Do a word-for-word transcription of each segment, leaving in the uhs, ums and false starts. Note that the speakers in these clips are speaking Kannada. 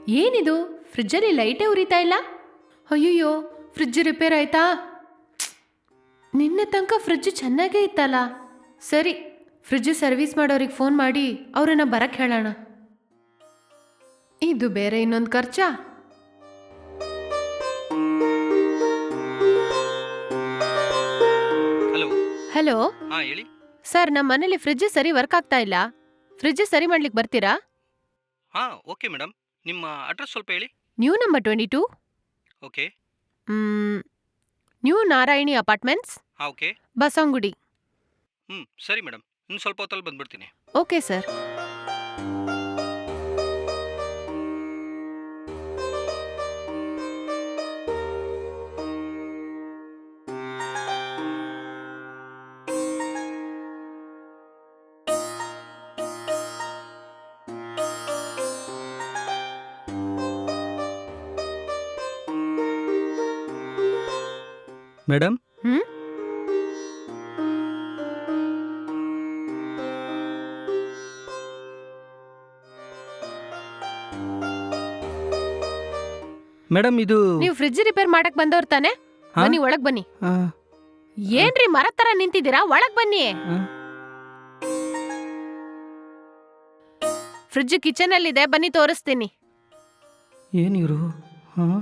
ಏನಿದು ಫ್ರಿಜ್ಜಲ್ಲಿ ಲೈಟೇ ಉರಿತಾ ಇಲ್ಲ? ಅಯ್ಯಯ್ಯೋ, ಫ್ರಿಡ್ಜ್ ರಿಪೇರ್ ಆಯ್ತಾ? ನಿನ್ನೆ ತನಕ ಫ್ರಿಡ್ಜ್ ಚೆನ್ನಾಗೇ ಇತ್ತಲ್ಲ. ಸರಿ, ಫ್ರಿಡ್ಜ್ ಸರ್ವಿಸ್ ಮಾಡೋರಿಗೆ ಫೋನ್ ಮಾಡಿ ಅವ್ರನ್ನ ಬರಕ್ಕೆ ಹೇಳೋಣ. ಇದು ಬೇರೆ ಇನ್ನೊಂದು ಖರ್ಚಾ? ಹಲೋ. ಹಲೋ ಹಾ ಹೇಳಿ. ಸರ್, ನಮ್ಮ ಮನೇಲಿ ಫ್ರಿಡ್ಜ್ ಸರಿ ವರ್ಕ್ ಆಗ್ತಾ ಇಲ್ಲ. ಫ್ರಿಡ್ಜ್ ಸರಿ ಮಾಡ್ಲಿಕ್ಕೆ ಬರ್ತೀರಾ? ಹಾ ಓಕೆ ಮೇಡಮ್, ನಿಮ್ಮ ಅಡ್ರೆಸ್ ಸ್ವಲ್ಪ ಹೇಳಿ. New number twenty two, okay. New Narayani apartments, ಹಾ ಓಕೆ. ಬಸವನಗುಡಿ. ಹ್ಞೂ ಸರಿ ಮೇಡಮ್, ಇನ್ನು ಸ್ವಲ್ಪ ಹೊತ್ತಲ್ಲಿ ಬಂದ್ಬಿಡ್ತೀನಿ. Okay sir. ಮೇಡಮ್. ಹ್ಮ್ ಮೇಡಮ್ ಇದು ನೀವು ಫ್ರಿಡ್ಜ್ ರಿಪೇರ್ ಮಾಡಕ್ ಬಂದವ್ರ ತಾನೆ? ಹಾ? ಬನ್ನಿ, ಒಳಗ್ ಬನ್ನಿ. ಆ, ಏನ್ರಿ ಮರ ತರ ನಿಂತಿದ್ದೀರಾ? ಒಳಗ್ ಬನ್ನಿ. ಆ, ಫ್ರಿಡ್ಜ್ ಕಿಚನ್ ಅಲ್ಲಿ ಇದೆ, ಬನ್ನಿ ತೋರಿಸ್ತೀನಿ. ಏನಿವರು? ಹಾಂ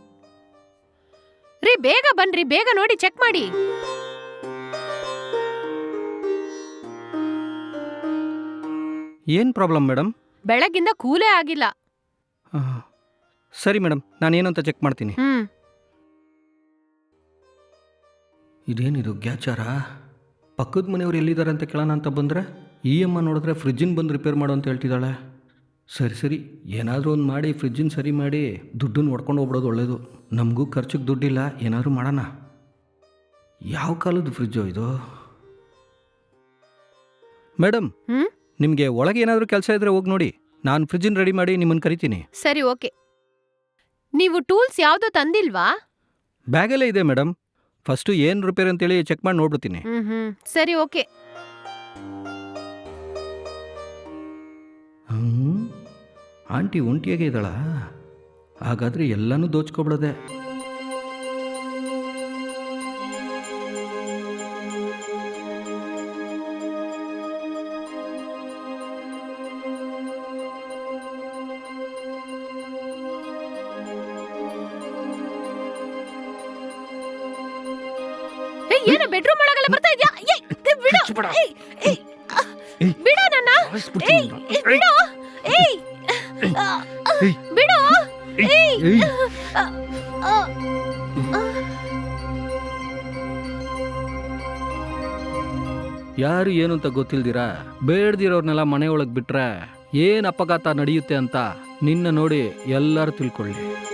ರೀ, ಬೇಗ ಬನ್ರಿ, ಬೇಗ ನೋಡಿ ಚೆಕ್ ಮಾಡಿ. ಏನು ಪ್ರಾಬ್ಲಮ್ ಮೇಡಮ್? ಬೆಳಗಿಂದ ಕೂಲೇ ಆಗಿಲ್ಲ. ಹಾಂ ಸರಿ ಮೇಡಮ್, ನಾನೇನು ಅಂತ ಚೆಕ್ ಮಾಡ್ತೀನಿ. ಹ್ಮ್ ಇದೇನಿದು ಗ್ಯಾಚಾರ? ಪಕ್ಕದ ಮನೆಯವ್ರು ಎಲ್ಲಿದ್ದಾರೆ ಅಂತ ಕೇಳೋಣ ಅಂತ ಬಂದರೆ ಈ ಅಮ್ಮ ನೋಡಿದ್ರೆ ಫ್ರಿಜ್ಜಿನ ಬಂದು ರಿಪೇರ್ ಮಾಡು ಅಂತ ಹೇಳ್ತಿದ್ದಾಳೆ. ಸರಿ ಸರಿ, ಏನಾದರೂ ಒಂದು ಮಾಡಿ ಫ್ರಿಜ್ಜಿನ ಸರಿ ಮಾಡಿ ದುಡ್ಡನ್ನು ಹೊಡ್ಕೊಂಡು ಹೋಗ್ಬಿಡೋದು ಒಳ್ಳೇದು. ನಮಗೂ ಖರ್ಚಿಗೆ ದುಡ್ಡಿಲ್ಲ, ಏನಾದರೂ ಮಾಡೋಣ. ಯಾವ ಕಾಲದ ಫ್ರಿಜ್ಜು ಇದು? ಮೇಡಮ್, ಹ್ಮ್ ನಿಮಗೆ ಒಳಗೆ ಏನಾದರೂ ಕೆಲಸ ಇದ್ದರೆ ಹೋಗಿ ನೋಡಿ, ನಾನು ಫ್ರಿಜ್ಜಿನ ರೆಡಿ ಮಾಡಿ ನಿಮ್ಮನ್ನು ಕರಿತೀನಿ. ಸರಿ, ಓಕೆ. ನೀವು ಟೂಲ್ಸ್ ಯಾವ್ದು ತಂದಿಲ್ವಾ? ಬ್ಯಾಗಲ್ಲೇ ಇದೆ ಮೇಡಮ್. ಫಸ್ಟು ಏನು ರಿಪೇರ್ ಅಂತೇಳಿ ಚೆಕ್ ಮಾಡಿ ನೋಡ್ಬಿಡ್ತೀನಿ. ಹ್ಮ್ ಹ್ಮ್ ಸರಿ, ಓಕೆ. ಹ್ಞೂ ಆಂಟಿ ಒಂಟಿಯಾಗೆ ಇದ್ದಾಳ? ಹಾಗಾದರೆ ಎಲ್ಲನೂ ದೋಚ್ಕೊಬಿಡೋದೆ. ಏಯ್, ಏನು ಬೆಡ್ರೂಮ್ ಒಳಗೆಲ್ಲ ಬರ್ತಾ ಇದ್ಯಾ? ಏಯ್, ಏಯ್, ಬಿಡು. ಏಯ್, ಏಯ್, ಆ, ಬಿಡು ನನ್ನ. ಏಯ್, ಏಯ್, ಬಿಡು. ಏಯ್, ಆ, ಆ, ಬಿಡು. ಏಯ್, ಆ, ಆ, ಆ. ಯಾರು ಏನು ಅಂತ ಗೊತ್ತಿಲ್ದಿರಾ ಬೇಡ್ದಿರೋರ್ನೆಲ್ಲ ಮನೆ ಒಳಗೆ ಬಿಟ್ರೆ ಏನು ಅಪಘಾತ ನಡೆಯುತ್ತೆ ಅಂತ ನಿನ್ನ ನೋಡಿ ಎಲ್ಲರೂ ತಿಳ್ಕೊಳ್ಳಿ.